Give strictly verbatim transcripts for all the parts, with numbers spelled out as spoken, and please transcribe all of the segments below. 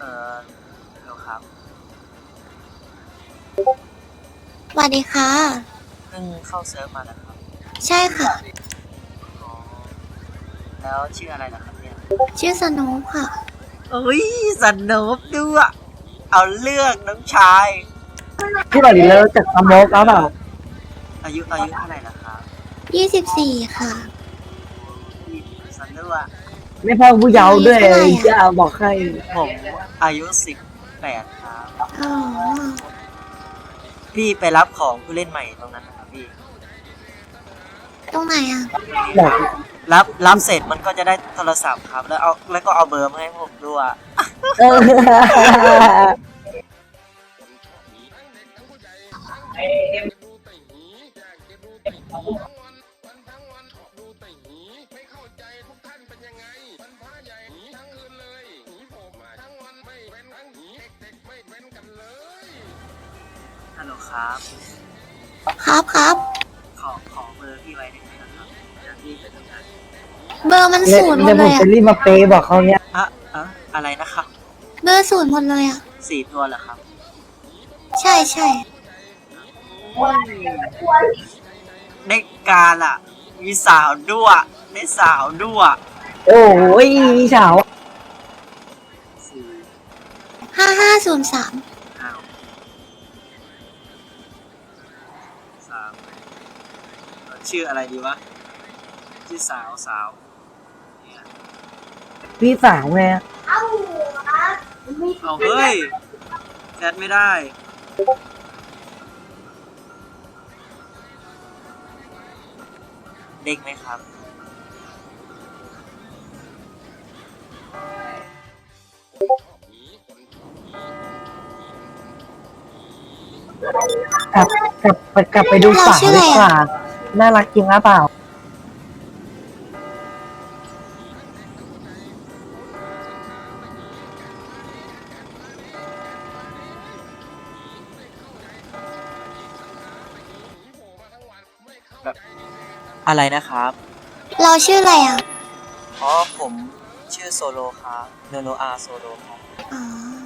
ออฮัลโหลครับสวัสดีค่ะเพิ่งเข้าเซิร์ฟมาแล้วครับใช่ค่ะอ๋อแล้วชื่ออะไรล่ะครับเนี่ยชื่อสโนว์ค่ะเอ้ยสนุกด้วยเอาเรื่องน้องชายพี่บอดีแล้วจากสโมกแล้วเปล่าอายุอายุเท่าไหร่ล่ะครับยี่สิบสี่ค่ะพี่สนุกอะไม่พ่อผู้เยาว์ด้วยอายุเท่าไหร่อะจะบอกให้ผมอายุสิบแปดครับอ๋อพี่ไปรับของผู้เล่นใหม่ตรงนั้นนะครับพี่ตรงไหนอ่ะบอกรับรับเสร็จมันก็จะได้โทรศัพท์ครับแล้วเอาแล้วก็เอาเบอร์มาให้ผมด้วยเออฮัลโหลครับครับครับขอขอเบอร์พี่ไว้ได้ไหมนะครับเดี๋ยวพี่ไปทำงานเบอร์มันเดี๋ยวศูนย์หมเดี๋ยดวผเลมยจะอ่ะรีบมาเปย์บอกเขาเนี้ยอะอะอะไรนะครับเบอร์ศูนย์หมดเลยอ่ะสี่ตัวเหรอครับใช่ใช่ในการอ่ะ มีสาวด้วยได้สาวด้วยโอ้ยสาวสี่ห้าห้าศูนย์สามอ้าวสามเอ่อชื่ออะไรดีวะชื่อสาวสาวเนี่ยพี่สาวไงเอาเฮ้ยแชทไม่ได้เด้งไหมครับกลับกลับไปกลับไปดูสาวดีกว่าน่ารักจริงหรือเปล่าแบบอะไรนะครับเราชื่ออะไรอ่ะอ๋อผมชื่อโซโลครับโนโนอาโซโลครับอ๋อ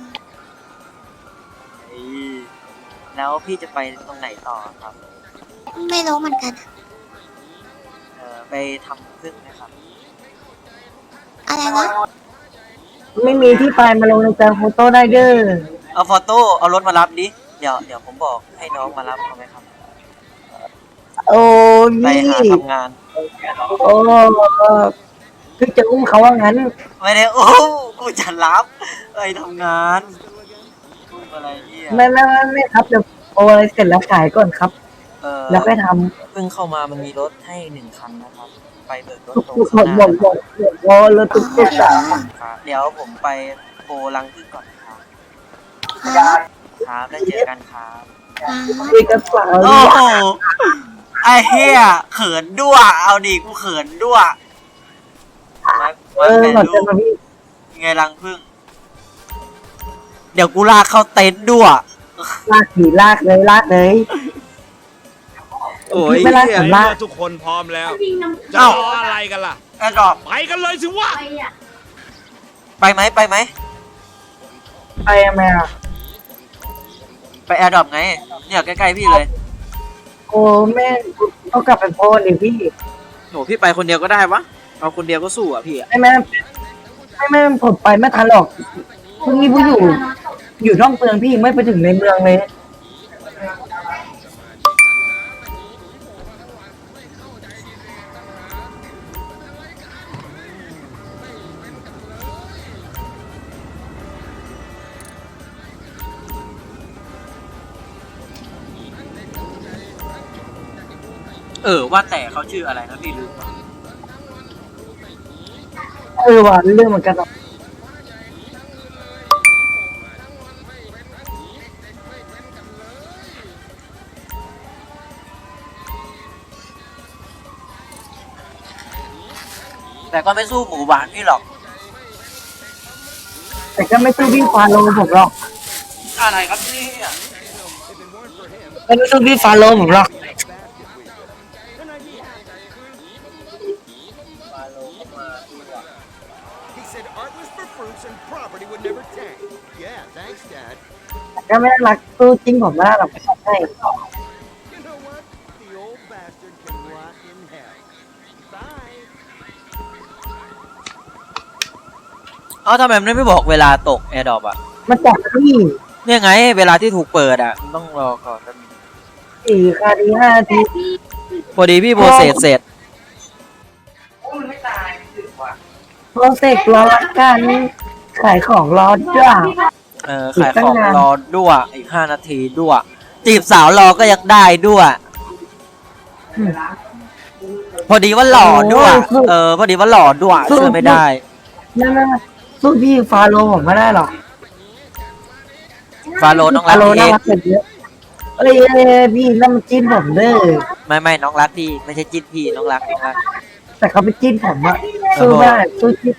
เฮ้ยแล้วพี่จะไปตรงไหนต่อครับไม่รู้เหมือนกันอะเออไปทำพึ่งไหมครับอะไรวะไม่มีที่ไปมาลงในแจงโฟโต้ได้เด้อเอาฟอโต้เอารถมารับดิ เดี๋ยวเดี๋ยวผมบอกให้น้องมารับเอาไหมครับโอ้ไปนี่หาทำงานโอ้คือจะอุ้มเขาว่างั้นไม่ได้โอ้กูจะรับไปทำงานพูดอะไรเนี่ยไม่ไม่ไม่ไม่ครับเดี๋ยวโอ้อะไรเสร็จแล้วขายก่อนครับเออแล้วก็ทเพิ่งเข้ามามันมีรถให้หนึ่งคันนะครับ ไปเบิกรถำตรงทุกหมข้างดหหมน้าดหมนะดหมดโอ้แล้วทุกทุกสาวครับเดี๋ยวผมไปโพลังพึ่งก่อนครับครับครับแล้วเจอกันครับครับคุยกับสาวโอ้โหไอ้เฮียเขินด้วยเอาดิกูเขินด้วยมาเอมาอแม่หมดลูจะกมาพี่ไงรังพึ่งเดี๋ยวกูลากเข้าเต็นท์ด้วยลากผีลากเลยลากเลยโอ้ยไม่ลากเหี้ยผมในลากเมื่อทุกคนพร้อมแล้ว จะเอ้ารออะไรกันล่ะแอร์ดรอปไปกันเลยสิวะไปไหมไปไหมไปยังไงอ่ะไปแอร์ดรอปไงเนี่ยใกล้ๆพี่เลยโอ้แม่ต้องกลับไปโพสดิพี่โหพี่ไปคนเดียวก็ได้วะเอาคนเดียวก็สู้อ่ะพี่อะไม่แม่ไม่แม่ผมไปไม่ทันหรอกพรุ่งนี้ผู้อยู่ อยู่นอกเมืองพี่ไม่ไปถึงในเมืองเลยเออว่าแต่เขาชื่ออะไรนะพี่ลืมว่ะเออว่ะเรื่องเหมือนกันหรอกแต่ก็ไม่สู้หมูหวานพี่หรอกแต่ก็ไม่สู้พี่ฟาโลผมหรอกอะไรครับเนี่ยไม่สู้พี่ฟาโลผมหรอกมาโลเข้ามาดีกว่า He said Artless for your fruits and property would never tank. Yeah, thanks, Dad. ก็ไม่น่ารักสู้จริงผมไม่ได้หรอกไม่ใช่ You know what? The old bastard can rot in hell. Bye. เอ้าทำไมมันไม่บอกเวลาตกแอร์ดรอปอ่ะมันจับพี่เนี่ยไงเวลาที่ถูกเปิดอ่ะมันต้องรอก่อนแป๊บนึงสี่คาทีห้าทีพอดีพี่โบเสร็จเสร็จโปรเซกรอละกันขายของรอจ้าเออขายของรอด้วยอีกห้านาทีด้วยจีบสาวรอก็ยังได้ด้วย พอดีว่าหล่อด้วยเออพอดีว่าหล่อด้วยเชื่อไม่ได้นั่นน่ะสู้พี่ฟาโรห์ผมไม่ได้หรอกฟาโรห์น้องรัฟาก โรห์พี่น่ารักกว่าเยอะเอ้ยพี่นั่นมันจิ้นผมเด้อไม่ไม่น้องรักพี่ไม่ใช่จิ้นพี่น้องรักน้องรักแต่เขาไปจิ้นผมอะสู้ไม่ได้สู้จิ้น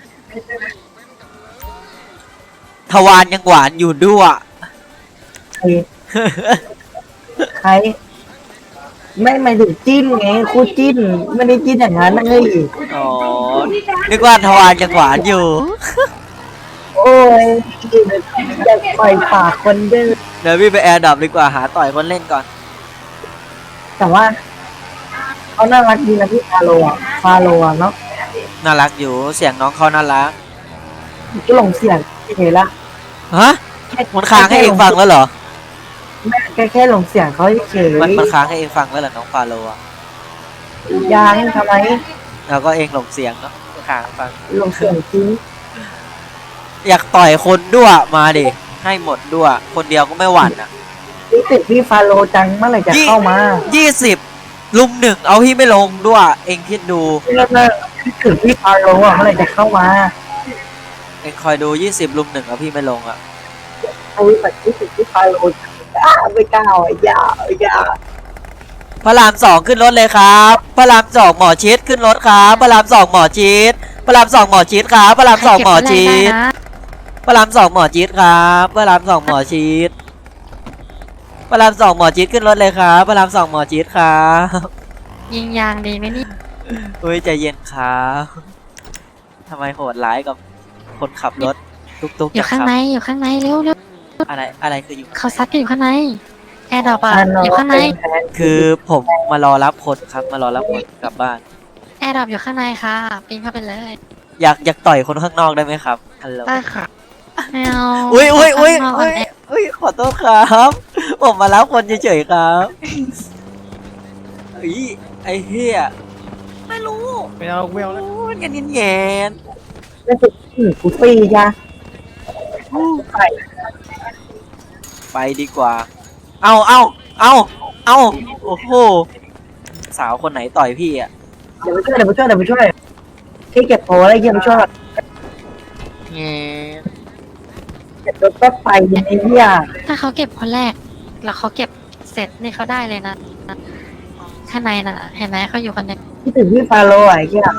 ทวารยังหวานอยู่ด้วยใครใครไม่หมายถึงจิ้นไงคู่จิ้นไม่ได้จิ้นอย่างนั้นเลยอ๋อนึกว่าทวารยังหวานอยู่โอ้ยอยากปล่อยปากคนเด้อเดี๋ยวพี่ไปแอร์ดับดีกว่าหาต่อยคนเล่นก่อนแต่ว่าเขาน่ารักดีนะพี่ฟาโรห์อะฟาโรห์อะเนาะน่ารักอยู่เสียงน้องเขาน่ารักก็หลงเสียงเฉยๆละฮะมันค้างให้เองฟังแล้วเหรอแม่แค่แค่หลงเสียงเขาเฉยมันมันค้างให้เองฟังแล้วเหรอน้องฟาโรห์อะยังทำไมแล้วก็เองหลงเสียงเนาะค้างฟังหลงเสียงจริงอยากต่อยคนด้วยมาดิให้หมดด้วยคนเดียวก็ไม่หวั่นอ่ะรู้สึกพี่ฟาโรห์จังเมื่อไหร่จะเข้ามายี่สิบลุมหนึ่งเอาพี่ไม่ลงด้วยเองคิดดูเรื่องนั้นคิดถึงพี่ฟาโรห์อะเมื่อไหร่จะเข้ามาเองคอยดูยี่สิบลุมหนึ่งเอาพี่ไม่ลงอ่ะเอาแบบคิดถึงพี่ฟาโรห์จังอ้าไม่กล้าอ่ะอย่าอย่าพระรามสองขึ้นรถเลยครับพระรามสองหมอชิดขึ้นรถครับพระรามสองหมอชิดพระรามสองหมอชิดครับพระรามสองหมอชิดพระรามสองหมอชิดครับพระรามสองหมอชิดพระรามสองหมอชิดขึ้นรถเลยครับพระรามสองหมอชิดครับยิงยางดีไหมนี่เฮ้ยใจเย็นครับทำไมโหดร้ายกับคนขับรถตุกๆอยู่จัข้างคในรับอยู่ข้างในเร็วเร็วอะไรอะไรคืออยู่เขาซัดกันอยู่ข้างในแอร์ดรอปอะฟาโรอยู่ห์ข้างในเป็นแฟนคือผมมารอรับคนครับมารอรับคนกลับบ้านแอร์ดรอปอยู่ข้างในค่ะปีนเข้าไปเลยอยากอยากต่อยคนข้างนอกได้ไหมครับฮัลโหลได้ค่ะไม่เอาอุ้ยอุ้ยอุ้ยข้างนกอุ้ยนแออุ้ยขอโทษครับ ผมมารับคนเฉยๆครับเฮ้ยไอ้เหี้ยไม่รู้ไม่เอาไม่เอาแล้วโอ้ยกันแงนไม่ถูกที่กูฟรีจ้ะไปๆไปดีกว่า เอาเอาเอาเอาโอ้โหสาวคนไหนต่อยพี่อ่ะเดี๋ยวไปช่วยเดี๋ยวไปช่วยเดี๋ยวไปช่วยที่เก็บโพอะไรเยี่ยมช่วยแงนเก็บรถแป๊บไปยังไงเนี่ยถ้าเขาเก็บคนแรก แล้วเขาเก็บเสร็จนี่เขาได้เลยนะข้างในน่ะ เห็นไหมเขาอยู่คนเดียวคิดถึงพี่ฟาโรห์อะไอ้เหี้ย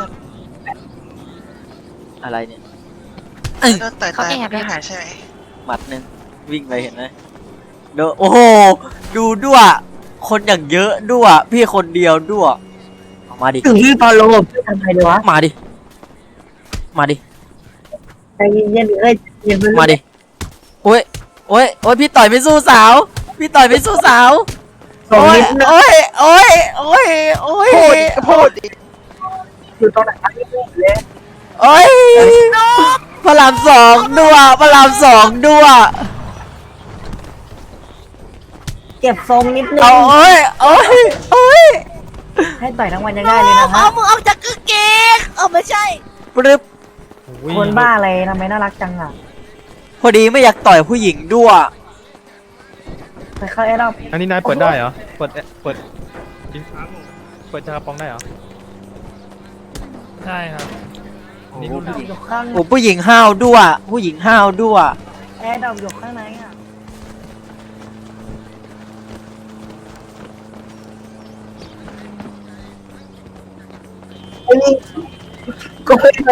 อะไรเนี่ยโดนต่อยตายไม่หายใช่ไหมหมัดหนึ่งวิ่งไปเห็นไหมดูโอ้โหดูด้วยคนอย่างเยอะด้วยพี่คนเดียวด้วยเอามาดิถึงพี่ฟาโรห์พี่ทำไงดีวะมาดิ มาดิใจเย็นๆเอ้ยเย็นๆมาดิ โอ้ย โอ้ย โอ้ย พี่ต่อยไม่สู้สาว พี่ต่อยไม่สู้สาวสองโอ้ยนิดนะโอ้ย โอ้ย โอ้ย โอ้ยพูดดิพูดดิอยู่ตรงไหนครับพี่เลยโอ้ยพระรามสองด้วยพระรามสองด้วยเก็บทรงนิดนึงเอาโอ้ย โอ้ย โอ้ยให้ต่อยทั้งวันยังได้เลยนะฮะเอามือออกจากกางเกงเอาไม่ใช่ปรึบคนบ้าอะไรทำไมน่ารักจังอ่ะพอดีไม่อยากต่อยผู้หญิงด้วยไปเข้าแอร์ดรอปอันนี้นายเปิดได้เหรอ เปิดเปิดจริงเปิดชาปองได้เหรอ ใช่ครับ นี่รุ่นอยู่ข้างโอ้ผู้หญิงห้าวด้วย ผู้หญิงห้าวด้วยแอร์ดรอปอยู่ข้างในอ่ะไอ้นี่ก็ไม่เคย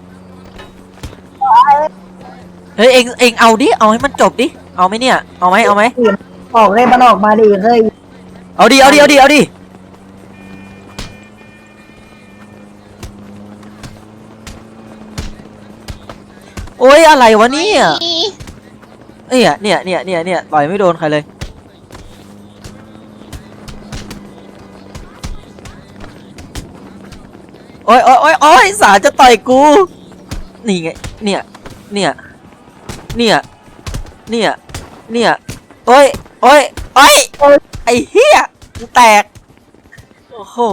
เฮ้ย เอ็งเอ็งเอาดิ เอาให้มันจบดิ เอาไหมเนี่ย เอาไหมเอาไหมออกเลยมันออกมาดิเฮ้ยเอาดิ เอาดิ เอาดิ เอาดิ ผโอ้ยอะไรวะเนี่ยเอ้ยเนี่ยเนี่ยเนี่ยเนี่ยต่อยไม่โดนใครเลยโอ้ยโอ้ยโอ้ยโอ้ยสาจะต่อยกูนี่ไงเนี่ยเนี่ยเนี่ยเนี่ยเนี่ยโอ้ยโอ้ยโอ้ยไอ้เหี้ยกูแตกโอ้โห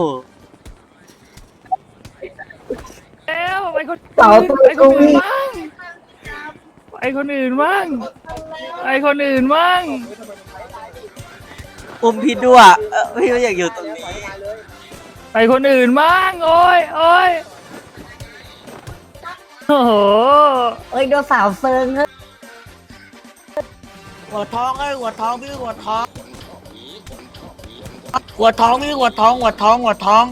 แล้วไอ้คนเต่าตัวไอ้คกูนอื่นนี่บ้างไอ้คนอื่นบ้างไอ้คนอื่นบ้างอุ้มพี่ด้วยเออพี่ไม่อยากอยู่ตรงนี้ไอ้คนอื่นบ้างโอ้ยโอ้ยโอ้โหเอ้ยโดนสาวเซิงเฮ้ยหัวท้องไอ้หัวท้องพี่หัวท้อง หัวท้องพี่หัวท้องหัวท้องหัวท้อง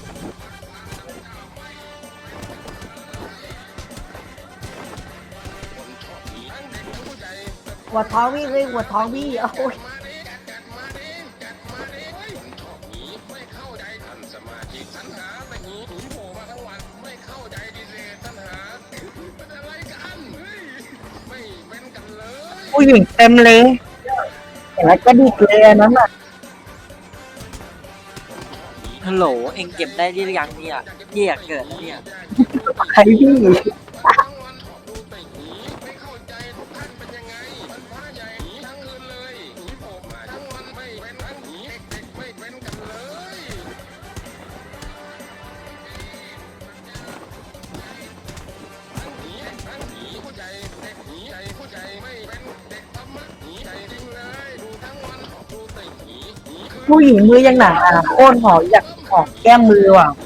หัวท้องพี่เลยหัวท้องพี่โอ้ย ผู้หญิงเต็มเลยเห็นแล้วก็ดีเลยอันนั้นอ่ะฮัลโหลเอ็งเก็บได้หรือยังเนี่ยเหี้ยเกิดแล้วเนี่ยใครพี่ ผู้หญิงมือยังหนาอ่ะโค่นหออยากหอมแก้มมือว่ะ